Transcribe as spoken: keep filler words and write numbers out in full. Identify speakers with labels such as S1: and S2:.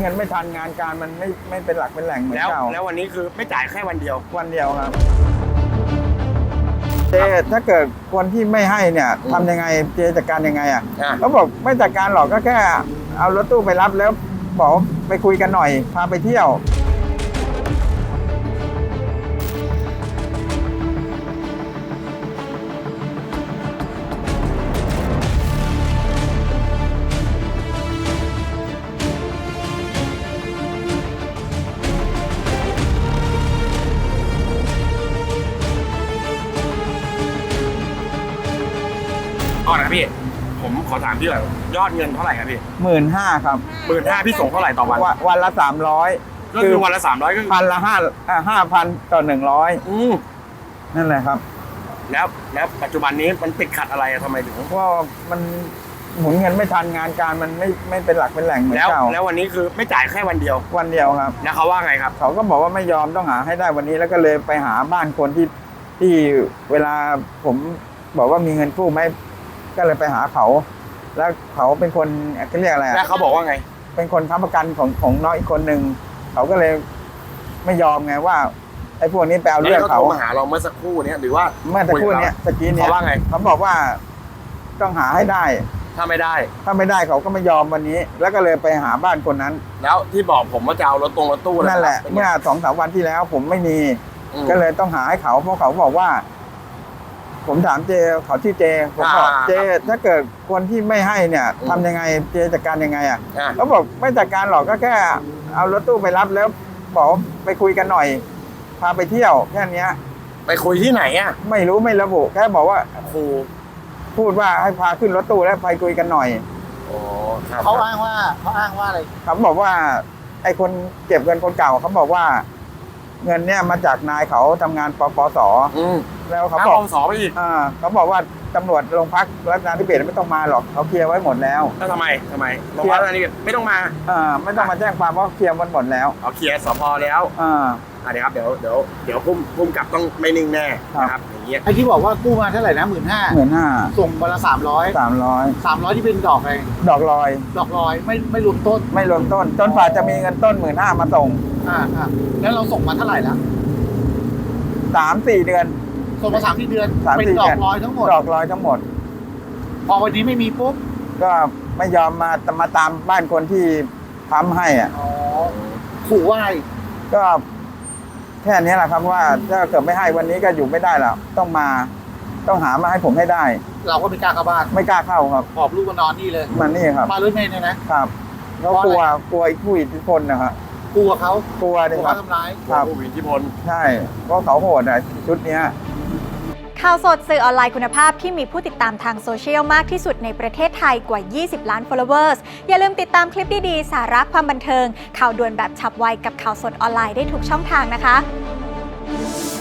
S1: เงินไม่ทันงานการมันไม่ไม่เป็นหลักเป็นแหล่งเหมือนเก่า
S2: แล้ววันนี้คือไม่จ่ายแค่วันเดียว
S1: วันเดียวครับเจถ้าเกิดคนที่ไม่ให้เนี่ยทำยังไงเจจัดการยังไงอ่ะเขาบอกไม่จัดการหรอกก็แค่เอารถตู้ไปรับแล้วบอกไปคุยกันหน่อยพาไปเที่ยว
S2: ก่อนนะพี่ผมขอถามพี่หน่อยยอดเงินเท่าไหร่ครับพี่
S1: หมื่นห้าครับ
S2: หมื่นห้าพี่ส่งเท่าไหร่ต่อวัน
S1: วันละสามร้อย
S2: ก็คือวันละสามร้อยก็
S1: พันละห้าห้าพันต่อหนึ่งร้อยนั่นแหละครับ
S2: แล้วแล้วปัจจุบันนี้มันติดขัดอะไรทำไมถึง
S1: ว่ามันหมุนเงินไม่ทันงานการมันไม่ไม่เป็นหลักเป็นแหล่งเหมือนเก่า
S2: แล้ววันนี้คือไม่จ่ายแค่วันเดียว
S1: วันเดียวครับ
S2: แล้วเขาว่าไงครับ
S1: เขาก็บอกว่าไม่ยอมต้องหาให้ได้วันนี้แล้วก็เลยไปหาบ้านคนที่ที่เวลาผมบอกว่ามีเงินกู้ไหมก็เลยไปหาเขาแล้วเขาเป็นคนเขาเรียกอะไร
S2: แล้วเขาบอกว่าไง
S1: เป็นคนค้ำประกันของของน้องอีกคนหนึ่งเขาก็เลยไม่ยอมไงว่าไอ้พวกนี้ไปเอาเรื่องเขา
S2: มาหาเราเมื่อสักครู่นี้หรือว่า
S1: เมื่อสักครู่นี้ตะกี้นี้
S2: เขาว่าไง
S1: เขาบอกว่าต้องหาให้ได้
S2: ถ้าไม่ได้
S1: ถ้าไม่ได้เขาก็ไม่ยอมวันนี้แล้วก็เลยไปหาบ้านคนนั้น
S2: แล้วที่บอกผมว่าจะเอารถตรงรถตู้
S1: นั่นแหละเมื่อสองสามวันที่แล้วผมไม่มีก็เลยต้องหาให้เขาเพราะเขาบอกว่าผมถามเจเขาชื่อเจผมบอกเจถ้าเกิดคนที่ไม่ให้เนี่ยทำยังไงเจจัดการยังไงอ่ะเขาบอกไม่จัดการหรอกก็แค่เอารถตู้ไปรับแล้วบอกไปคุยกันหน่อยพาไปเที่ยวแค่นี้
S2: ไปคุยที่ไหนอ่ะ
S1: ไม่รู้ไม่ระบุแค่บอกว่า
S2: ครู
S1: พูดว่าให้พาขึ้นรถตู้แล้วไปคุยกันหน่อย
S3: เขาอ้างว่าเขาอ้างว่าอะไร
S1: เขาบอกว่าไอ้คนเก็บเงินคนเก่าเขาบอกว่าเงินเนี่ยมาจากนายเขาทำงานปปสแล้วเขาบอก
S2: ปปสไปอีก
S1: อ่าเขาบอกว่าตำรวจโรงพักรัฐนาธิเบศไม่ต้องมาหรอกเขาเคลียร์ไว้หมดแล้ว
S2: แล้วทำไมทำไมโรงพักรัฐนาธิเบศไม่ต้องมา
S1: อ่าไม่ต้องมาแจ้งความเพราะเคลียร์มันหมดแล้ว
S2: เอาเคลียร์สพแล้ว
S1: อ่า
S2: อ่าเดี๋ยวครับเดี๋ยวเดี๋ยวเดี๋ยวพุ่มพุ่มกลับต้องไม่นิ่งแน่นะครับอย่างเงี้ย
S3: ไอ้ที่บอกว่ากู้มาเท่าไหร่นะหมื่นห้า
S1: หมื่นห้า
S3: ส่งวันละสามร้อย
S1: สามร้อย
S3: สามร้อยที่เป็นดอกอะไร
S1: ดอกลอย
S3: ดอกลอยไม่ไม่รวมต้น
S1: ไม่รวมต้นจนฝ่าจะมีเงินต้นหมื่นห้ามาส่ง
S3: อ่าอ่าแล้วเราส่งมาเท่าไหร่แล้ว
S1: สามสี่เดือน
S3: ส่งมาสามสี่เดือนเป็นดอกลอยทั้งหมด
S1: ดอกลอยทั้งหมด
S3: พอวันนี้ไม่มีปุ๊บ
S1: ก็ไม่ยอมมามาตามบ้านคนที่ทำให้อ่ะ
S3: อ๋อขู่ว่า
S1: ก็แค่นี้แหละครับว่าถ้าเกิดไม่ให้วันนี้ก็อยู่ไม่ได้แล้วต้องมาต้องหามาให้ผมให้ได้
S3: เราก็ไม่กล้าเข้าบ้าน
S1: ไม่กล้าเข้าครับ
S3: หอบลูกมานอนนี่เลย
S1: มันนี่ครับ
S3: มารถเมล์เนี่ยนะครับ
S1: เขากลัวกลัวผู้อิทธิพลนะครับ
S3: กลัวเขา
S1: กลัวเลยครับ
S3: ทำร้าย
S2: ผู้มีอิทธิพล
S1: ใช่เพราะเขาโหดอ่ะชุดนี้
S4: ข่าวสดสื่อออนไลน์คุณภาพที่มีผู้ติดตามทางโซเชียลมากที่สุดในประเทศไทยกว่ายี่สิบล้าน followers อย่าลืมติดตามคลิปดีๆสาระความบันเทิงข่าวด่วนแบบฉับไวกับข่าวสดออนไลน์ได้ทุกช่องทางนะคะ